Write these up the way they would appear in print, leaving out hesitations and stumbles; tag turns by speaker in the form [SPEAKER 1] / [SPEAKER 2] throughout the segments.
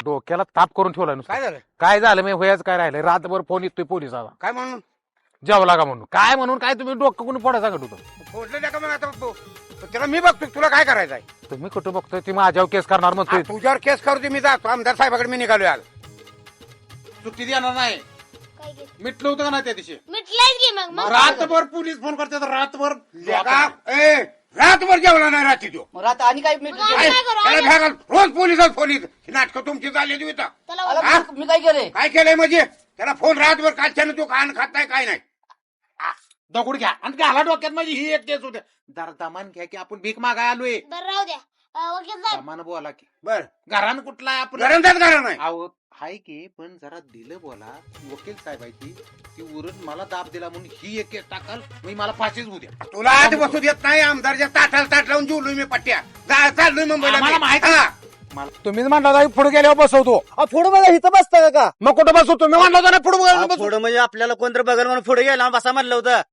[SPEAKER 1] डोक्याला ताप करून ठेवला नुसतं.
[SPEAKER 2] काय झालं?
[SPEAKER 1] काय झालं मी व्हायच काय राहिलंय रातभर फोन येतोय पोलिसाला
[SPEAKER 2] काय म्हणून
[SPEAKER 1] जेवला का म्हणून काय म्हणून काय तुम्ही डोकं कोणी फोडा सांगत होतं
[SPEAKER 2] फोडलं का मग आता त्याला मी बघतो तुला काय करायचं आहे
[SPEAKER 1] तुम्ही कुठं बघतोय ती माझ्यावर केस करणार म्हणतोय
[SPEAKER 2] तुझ्यावर केस करतो मी जातो आमदार साहेबाकडे मी निघालोय आज
[SPEAKER 3] सुट्टी देणार नाही
[SPEAKER 4] काय घे?
[SPEAKER 3] मिटलं होतं का नाही त्या दिवशी
[SPEAKER 4] मिटलायच घे मग
[SPEAKER 3] रातभर पोलीस फोन करतात रातभर
[SPEAKER 2] रातभर जेवला नाही रात्री तो
[SPEAKER 5] मग आता आणि काय
[SPEAKER 4] मग आम्ही काय करू?
[SPEAKER 2] त्याला भेगाल रोज पोलिसात फोन येत नाटक तुमची झालेली होता
[SPEAKER 4] त्याला
[SPEAKER 5] आला
[SPEAKER 2] हा?
[SPEAKER 5] मी काय केलंय
[SPEAKER 2] काय केलंय म्हणजे त्याला फोन रातभर कालच्यानं तो कान खात नाही काय नाही
[SPEAKER 3] दगड घ्या आणि घाला डोक्यात माझी ही एक केस होते जरा दमान घ्या की आपण भीक मागाय आलोय
[SPEAKER 4] बरं राहू द्या वकील साहेब
[SPEAKER 3] दमान बोला की
[SPEAKER 2] बर
[SPEAKER 3] घरान कुठला आहे आपण
[SPEAKER 2] घरात घरा नाही
[SPEAKER 3] अहो हाय की पण जरा दिलं बोला वकील साहेब आहे ती उरून मला दाब दिला म्हणून ही एक केस टाकाल मी मला फाशीच होऊ द्या
[SPEAKER 2] तुला आज बसू देत नाही आमदारच्या ताटाला ताट लावून जेवलोय मी पट्ट्या चाललोय मुंबईला
[SPEAKER 3] आम्हाला
[SPEAKER 2] मी.
[SPEAKER 3] माहिती
[SPEAKER 2] हा.
[SPEAKER 1] तुम्हीच म्हणला पुढे गेल्यावर बसवतो
[SPEAKER 5] पुढे मला इथं बसता का
[SPEAKER 1] मग कुठं बसवतो तुम्ही म्हणला होता ना पुढे
[SPEAKER 5] पुढे म्हणजे आपल्याला कोणतरी बघायला म्हणून पुढे गेला बसा म्हणलं होतं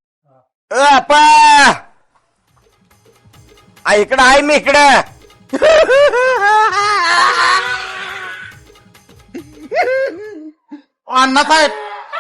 [SPEAKER 1] इकडं आहे मी इकडं
[SPEAKER 3] अण्णा साहेब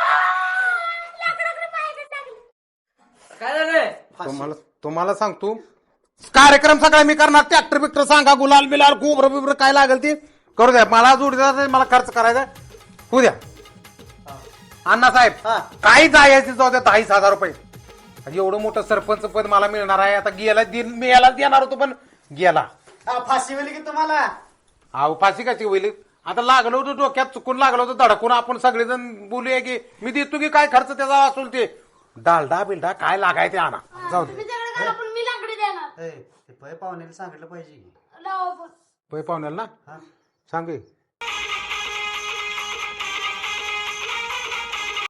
[SPEAKER 5] काय झालंय
[SPEAKER 1] तुम्हाला सांगतो कार्यक्रम सगळा मी करणार ट्रॅक्टर बिक्टर सांगा गुलाल बिलाल गोबर बिबर काय लागेल ते करू द्या मला जोडीदार मला खर्च करायचा होऊ द्या अण्णा साहेब
[SPEAKER 5] हा.
[SPEAKER 1] काही जायचे जाऊ द्या 10,000 रुपये एवढं मोठं सरपंच पद मला मिळणार आहे आता गेला मी याला देणार होतो पण गेला
[SPEAKER 5] फाशी वेळी की तुम्हाला
[SPEAKER 1] अहो फाशी कशी होईल आता लागलं होतं डोक्यात चुकून लागलं होतं धडकून आपण सगळेजण बोलूया की मी देतो की काय खर्च त्याचा असेल ते डालडा बिलडा काय लागाय ते आणा जाऊ दे
[SPEAKER 4] तुम्ही सगळं करा पण मी लाकडी देणार
[SPEAKER 5] ते पै पाहुण्याला सांगितलं पाहिजे
[SPEAKER 4] लावा पण
[SPEAKER 1] पै पाहुण्याला ना सांगे